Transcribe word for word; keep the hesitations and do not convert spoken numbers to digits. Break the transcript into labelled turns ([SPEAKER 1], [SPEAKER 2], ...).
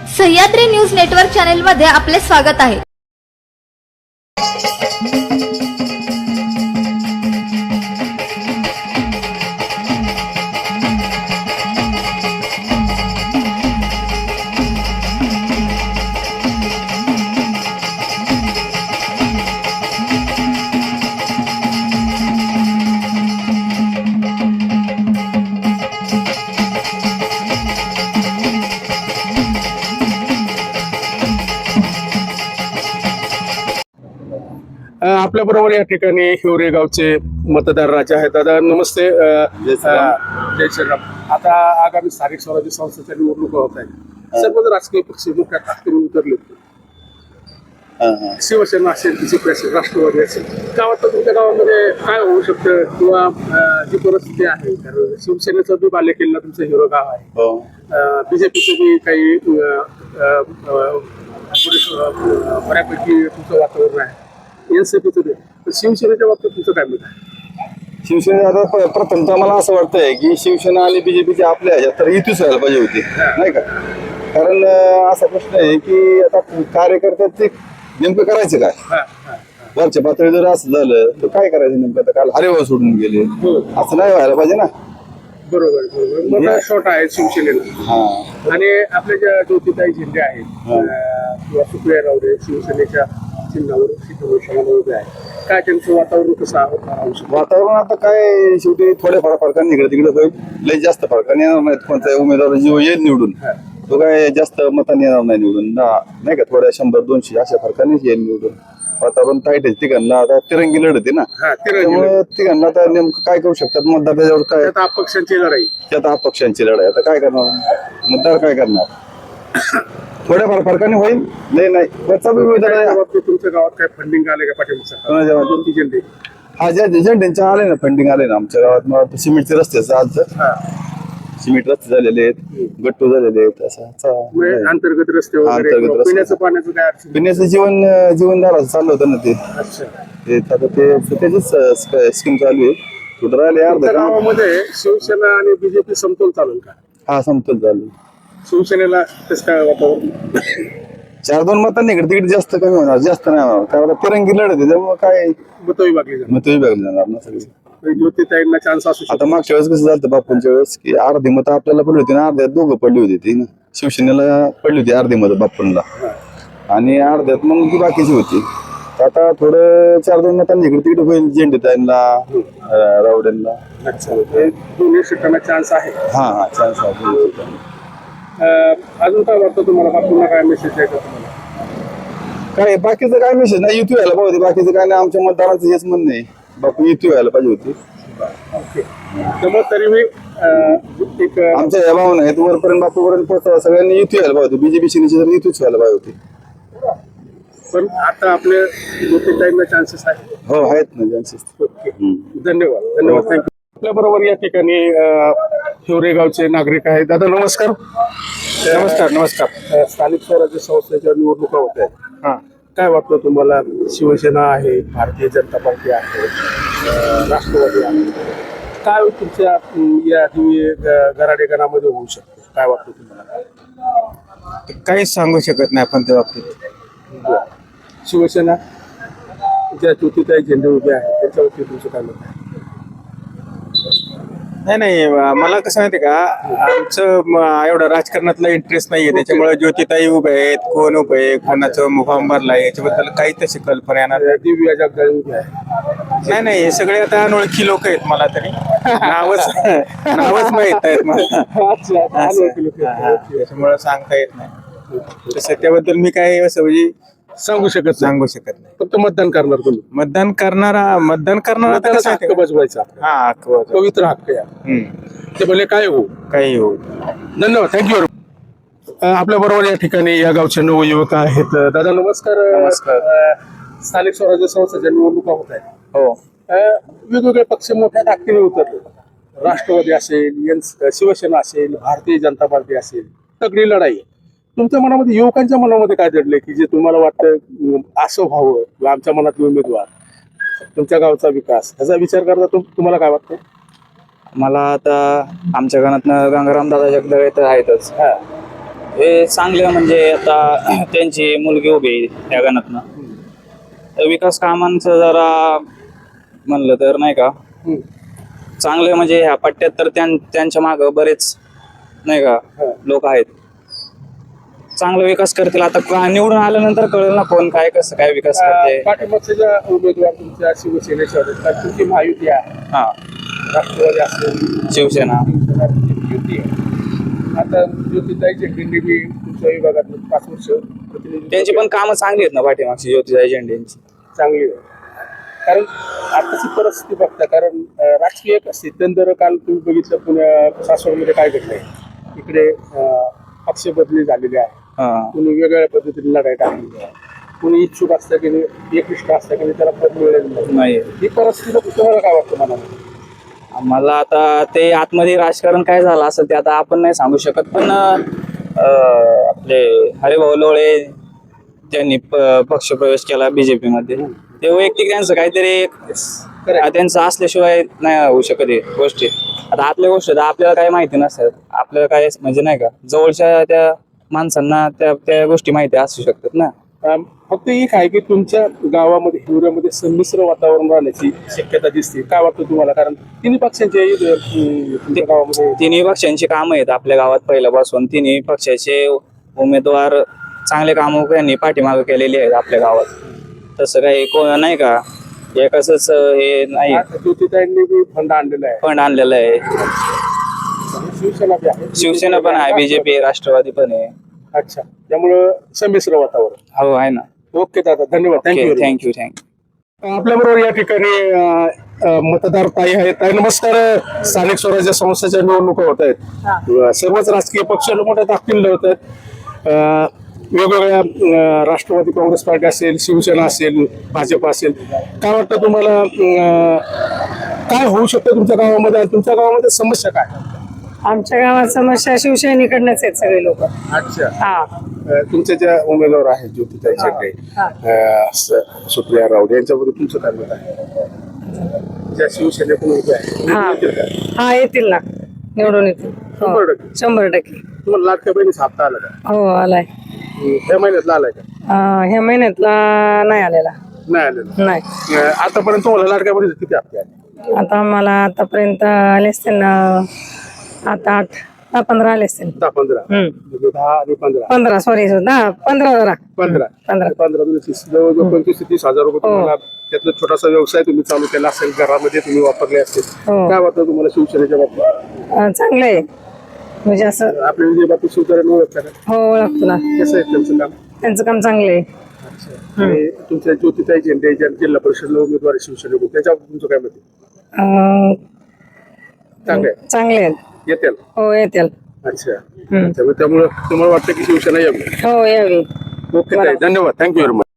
[SPEAKER 1] Sahyadri news network channel मध्ये आपले स्वागत आहे।
[SPEAKER 2] आपल्या बरोबर या ठिकाणी हिवरे गावचे मतदार राजे आहेत। दादा नमस्ते। जय श्रीराम। आता आगामी स्थानिक स्वराज्य संस्थेच्या निवडणुका होत आहेत। सर्वच राजकीय पक्ष मोठ्या ताकदीने उतरले। शिवसेना असेल, बीजेपी असेल, राष्ट्रवादी असेल, काय वाटतं तुमच्या गावामध्ये काय होऊ शकतं किंवा जी परिस्थिती आहे? कारण शिवसेनेचं बी बालेकिल्ला तुमचं हिरो गाव आहे, बीजेपीचं बी काही बऱ्यापैकी तुमचं वातावरण आहे, एनसीपीचं बी। शिवसेनेच्या बाबतीत तुमचं काय मत आहे?
[SPEAKER 3] शिवसेना आता प्रथमतः मला असं वाटतंय की शिवसेना आणि बीजेपीचे आपल्या ह्याच्यात तर युतीच व्हायला पाहिजे होती, नाही का? कारण असा प्रश्न आहे की आता कार्यकर्त्यात ते नेमकं करायचं काय? वरच्या पातळी जर असं झालं तर काय करायचं नेमकं? आता काल हरिभाऊ सोडून गेले, असं नाही व्हायला पाहिजे ना।
[SPEAKER 2] बरोबर बरोबर मोठा शॉट आहे शिवसेनेला। आणि आपल्या ज्या ज्योतिताई झेंडे आहेत किंवा सुप्रिया रावडे शिवसेनेच्या चिन्हावर सीतामोर्चाला उभे आहे, काय त्यांचं वातावरण कसं आहे?
[SPEAKER 3] वातावरण आता काय शेवटी थोड्याफार फरकाने इकडे तिकडे होईल, लय जास्त फरकाने येणार नाहीत। कोणत्या उमेदवार जो येईल निवडून तो काय जास्त मतांनी येणार नाही निवडून, नाही का? थोड्या शंभर दोनशे अशा फरकानेच येईल निवडून। वातावरण ताईट आहे तिघांना, आता तिरंगी लढत आहे ना, त्यामुळे तिघांना आता नेमकं काय करू शकतात मतदार? त्याच्यावर काय
[SPEAKER 2] अपक्षांची लढाई,
[SPEAKER 3] त्यात अपक्षांची लढाई। आता काय करणार मतदार? काय करणार? थोड्याफार फरकाने होईल, नाही नाही
[SPEAKER 2] तुमच्या गावात काय फंडिंग आले का पाठिंबा?
[SPEAKER 3] हा, ज्या एजंटांच्या आले ना फंडिंग आले ना आमच्या गावात। मला वाटतं सिमेंटचे रस्ते आज सिमेंट रस्ते झालेले आहेत, गट्टू झालेले आहेत, असं
[SPEAKER 2] अंतर्गत रस्ते वगैरे, पिण्याचं पाण्याचं काय अडचण?
[SPEAKER 3] पिण्याचं जीवन जीवनदार चाललं होतं ना ते, आता ते त्याचीच स्कीम चालू आहे। कुठं राहिले अर्ध्या
[SPEAKER 2] गावामध्ये शिवसेना आणि बीजेपी समतोल चालू का?
[SPEAKER 3] हा, समतोल चालू।
[SPEAKER 2] शिवसेनेला कसं काय वातावरण?
[SPEAKER 3] चार दोन मतांनी इकडे तिकडे जास्त कमी होणार, जास्त नाही होणार, कारण तिरंगी लढत आहे त्यामुळे काय
[SPEAKER 2] मत विभागली जाणार,
[SPEAKER 3] मत विभागली जाणार ना सगळी।
[SPEAKER 2] ज्योतिताईंना चान्स असू शकतो।
[SPEAKER 3] आता मागच्या वेळेस कसं झालं बापूंच्या वेळेस की अर्धी मतं आपल्याला पडली होती ना, अर्ध्यात दोघं पडली होती ती ना, शिवसेनेला पडली होती अर्धी मतं बापूंना आणि अर्ध्यात मग ती बाकीची होती। आता थोडं चार दोन मतांनी इकडे तिकडे होईल, झेंडेताईंना, रावडेंना,
[SPEAKER 2] दोन्ही सीटांना चान्स आहे।
[SPEAKER 3] हा हा, चान्स आहे।
[SPEAKER 2] अजून काय वाटतं तुम्हाला? बापूंना काय मेसेज द्यायचा तुम्हाला?
[SPEAKER 3] काय बाकीचं काय मेसेज नाही, युती व्हायला पाहिजे, बाकीचं काय नाही। आमच्या मतदाराचं हेच म्हणणं आहे, बापू युती व्हायला पाहिजे होती।
[SPEAKER 2] ओके, त्यामुळे तरी मी एक
[SPEAKER 3] आमच्या या भावना आहेत वरपर्यंत बापूपर्यंत पोहोचावं, सगळ्यांनी युती व्हायला पाहिजे होती। बीजेपी सेनेची तर युतीच व्हायला पाहिजे होती,
[SPEAKER 2] पण आता आपल्या ज्योतिताईंना चान्सेस आहे?
[SPEAKER 3] हो, आहेत ना चान्सेस।
[SPEAKER 2] ओके, धन्यवाद धन्यवाद, थँक्यू। आपल्या बरोबर या ठिकाणी हिवरे गावचे नागरिक आहेत। दादा नमस्कार।
[SPEAKER 4] नमस्कार नमस्कार।
[SPEAKER 2] स्थानिक स्वराज्य संस्थेच्या निवडणुका होत आहेत,
[SPEAKER 4] हा,
[SPEAKER 2] काय वाटतं तुम्हाला? शिवसेना आहे, भारतीय जनता पार्टी आहे, राष्ट्रवादी आहे, काय तुमच्या या गराडे गणामध्ये होऊ शकतं? काय वाटतं तुम्हाला?
[SPEAKER 4] काहीच सांगू शकत नाही आपण त्या बाबतीत।
[SPEAKER 2] शिवसेना ज्या ज्योतिताई झेंडे उभे आहेत त्याच्यावरती तुमचं काय मत आहे?
[SPEAKER 4] नाही नाही, मला कसं माहिती का, आमचं एवढं राजकारणातला इंटरेस्ट नाहीये, त्याच्यामुळे ज्योतिताई उभे आहेत, कोण उभे आहे, कोणाचं फॉर्म भरलाय याच्याबद्दल काही तशी कल्पना येणार
[SPEAKER 2] दिव्या जगदाळे उभे आहे?
[SPEAKER 4] नाही नाही, हे सगळे आता अनोळखी लोक आहेत, मला तरी नावच नावच माहित आहेत मला, त्याच्यामुळे सांगता येत नाही तसं। त्याबद्दल मी काय असं म्हणजे
[SPEAKER 2] सांगू शकत
[SPEAKER 4] सांगू शकत नाही।
[SPEAKER 2] फक्त मतदान करणार तुम्ही?
[SPEAKER 4] मतदान करणारा मतदान करणारा
[SPEAKER 2] त्याला हक्क बजवायचा,
[SPEAKER 4] हा, हक्क बजवायचा,
[SPEAKER 2] पवित्र हक्क या, ते भले काय हो
[SPEAKER 4] काही हो।
[SPEAKER 2] धन्यवाद, थँक्यू। आपल्या बरोबर या ठिकाणी या गावचे नवयुवक आहेत। दादा नमस्कार।
[SPEAKER 4] नमस्कार।
[SPEAKER 2] स्थानिक स्वराज्य संस्थेच्या निवडणुका होत आहेत,
[SPEAKER 4] हो,
[SPEAKER 2] वेगवेगळे पक्ष मोठ्या ताकदीने उतरले, राष्ट्रवादी असेल, शिवसेना असेल, भारतीय जनता पार्टी असेल, तगडी लढाई। तुमच्या मनामध्ये, युवकांच्या मनामध्ये काय दडले की जे तुम्हाला वाटतं असं व्हावं किंवा आमच्या मनातले उमेदवार, तुमच्या गावचा विकास, ह्याचा विचार करता तुम्हाला काय वाटतं?
[SPEAKER 5] मला आता आमच्या गावातनं गंगाराम दादा जगदाळे तर आहेतच, हे चांगले म्हणजे आता त्यांची मुलगी उभी आहे या गणातनं तर विकास कामांचं जरा म्हणलं तर नाही का
[SPEAKER 2] हम्म.
[SPEAKER 5] चांगले म्हणजे ह्या पट्ट्यात तर त्यां त्यांच्या मागं बरेच नाही का लोक आहेत चांगला विकास करतील आता का- निवडून आल्यानंतर कळेल ना कोण काय कसं काय विकास करते
[SPEAKER 2] पाठिंबाचे ज्या उमेदवार तुमच्या शिवसेनेच्या होते तर तुमची महायुती आहे
[SPEAKER 5] हा
[SPEAKER 2] राष्ट्रवादी असेल
[SPEAKER 5] शिवसेना
[SPEAKER 2] युती आहे आता ज्योतिताई झेंडेंनी बी तुमच्या विभागात पाच वर्ष प्रतिनिधी
[SPEAKER 5] त्यांची पण कामं चांगली आहेत ना पाठीमागची ज्योतिराव झेंडेंची
[SPEAKER 2] चांगली आहे कारण आताची परिस्थिती बघता कारण अं, राजकीय एक असते तंत्र काल तुम्ही बघितलं पुण्या सासवडमध्ये काय घडलंय इकडे अं, पक्ष बदली झालेली आहे
[SPEAKER 5] हा
[SPEAKER 2] कुणी वेगवेगळ्या पद्धतीने लढाई टाकलेली आहे कुणी इच्छुक असतं की नाही एकनिष्ठ असतं की नाही त्याला पद मिळेल नाही
[SPEAKER 5] नाही
[SPEAKER 2] ही परिस्थिती तुम्हाला काय वाटतं मनाला
[SPEAKER 5] मला आता ते आतमध्ये राजकारण काय झालं असेल ते आता आपण नाही सांगू शकत पण अं, आपले हरिभाऊ लोळे त्यांनी प- पक्षप्रवेश केला बीजेपी मध्ये ते वैयक्तिक त्यांचं काहीतरी एक त्यांचं असल्याशिवाय नाही होऊ शकत हे गोष्टी आता आतल्या गोष्टी तर आपल्याला काही माहिती नसतात आपल्याला काय म्हणजे नाही का जवळच्या त्या माणसांना त्या त्या गोष्टी माहिती असू शकतात ना
[SPEAKER 2] अं, फक्त एक आहे की तुमच्या गावामध्ये हिवऱ्यामध्ये संमिश्र वातावरण राहण्याची शक्यता दिसते काय वाटतं तुम्हाला कारण तिन्ही पक्षांचे अं, तुमच्या गावामध्ये
[SPEAKER 5] तिन्ही पक्षांची कामं आहेत आपल्या गावात पहिल्यापासून तिन्ही पक्षाचे उमेदवार चांगले कामं त्यांनी पाठीमागे केलेली आहेत आपल्या गावात तसं काही कोण नाही का एकच हे नाही
[SPEAKER 2] आता ज्योतिताईंनी बी फंड आणलेला आहे
[SPEAKER 5] फंड आणलेलं आहे
[SPEAKER 2] शिवसेना बी आहे
[SPEAKER 5] शिवसेना पण आहे बीजेपी राष्ट्रवादी पण आहे
[SPEAKER 2] अच्छा त्यामुळं संमिश्र वातावरण
[SPEAKER 5] हो आहे ना
[SPEAKER 2] ओके दादा धन्यवाद थँक्यू
[SPEAKER 5] थँक्यू थँक्यू
[SPEAKER 2] आपल्या बरोबर या ठिकाणी अं, अं, मतदार ताई आहेत ताई नमस्कार स्थानिक स्वराज्य संस्थेच्या निवडणुका होत आहेत सर्वच राजकीय पक्ष मोठ्या ताकदीने लढत आहेत अं, वेगवेगळ्या अं, राष्ट्रवादी काँग्रेस पार्टी असेल शिवसेना असेल भाजप असेल काय वाटतं तुम्हाला अं, काय होऊ शकतं तुमच्या गावामध्ये आणि तुमच्या गावामध्ये समस्या काय
[SPEAKER 6] आमच्या गावात समस्या शिवसेनेकडनंच आहेत सगळे लोक
[SPEAKER 2] अच्छा
[SPEAKER 6] हा
[SPEAKER 2] अं, तुमच्या ज्या उमेदवार आहेत ज्योतिताई शेट्टे
[SPEAKER 6] हा.
[SPEAKER 2] अं, स- सुप्रिया राऊत यांच्याबद्दल तुमचं काय मत आहे ज्या शिवसेनेकडून उभ्या आहेत
[SPEAKER 6] हा.
[SPEAKER 2] येतील का?
[SPEAKER 6] हा येतील ना निवडून येतील हो.
[SPEAKER 2] शंभर टक्के
[SPEAKER 6] शंभर टक्के
[SPEAKER 2] तुम्हाला लाटक्या बहिणीचा हप्ता आला का
[SPEAKER 6] हो आलाय
[SPEAKER 2] ह्या महिन्यातला आलाय का
[SPEAKER 6] अं, ह्या महिन्यातला नाही आलेला
[SPEAKER 2] नाही आलेला
[SPEAKER 6] नाही
[SPEAKER 2] अं, आतापर्यंत तुम्हाला लाटक्या बहिणीचे किती हप्ते आले
[SPEAKER 6] आता आम्हाला आतापर्यंत आले असतील ना आता आठ दहा पंधरा आले असतील
[SPEAKER 2] दहा पंधरा
[SPEAKER 6] हम्म.
[SPEAKER 2] म्हणजे दहा आणि पंधरा
[SPEAKER 6] पंधरा सॉरी दहा पंधरा जरा
[SPEAKER 2] पंधरा
[SPEAKER 6] पंधरा.
[SPEAKER 2] पंधरा म्हणजे तीस जवळजवळ पंचवीस ते तीस हजार रुपये तुम्हाला त्यातला छोटासा व्यवसाय तुम्ही चालू केला असेल घरामध्ये तुम्ही वापरले असतील
[SPEAKER 6] हो.
[SPEAKER 2] काय वाटतं तुम्हाला शिवसेनेच्या बाबतीत
[SPEAKER 6] अं, चांगलं आहे म्हणजे असं
[SPEAKER 2] आपल्या विजय बाबतीत शिवसेनेला ओळखता का
[SPEAKER 6] हो ओळखतो ना
[SPEAKER 2] कसं आहे त्यांचं काम
[SPEAKER 6] त्यांचं काम चांगलं आहे
[SPEAKER 2] आणि तुमच्या ज्योतिताई झेंडे ज्या जिल्हा परिषदला उमेदवार आहे शिवसेनेकडून त्याच्याबाबतीत तुमचं काय मत आहे
[SPEAKER 6] अं,
[SPEAKER 2] चांगलं आहे
[SPEAKER 6] चांगले आहेत
[SPEAKER 2] येतील
[SPEAKER 6] हो येतील
[SPEAKER 2] अच्छा
[SPEAKER 6] हम्म.
[SPEAKER 2] त्यामुळे त्यामुळे तुम्हाला वाटतं की शिवसेना यावी
[SPEAKER 6] हो यावी
[SPEAKER 2] ओके ताई धन्यवाद थँक्यू व्हेरी मच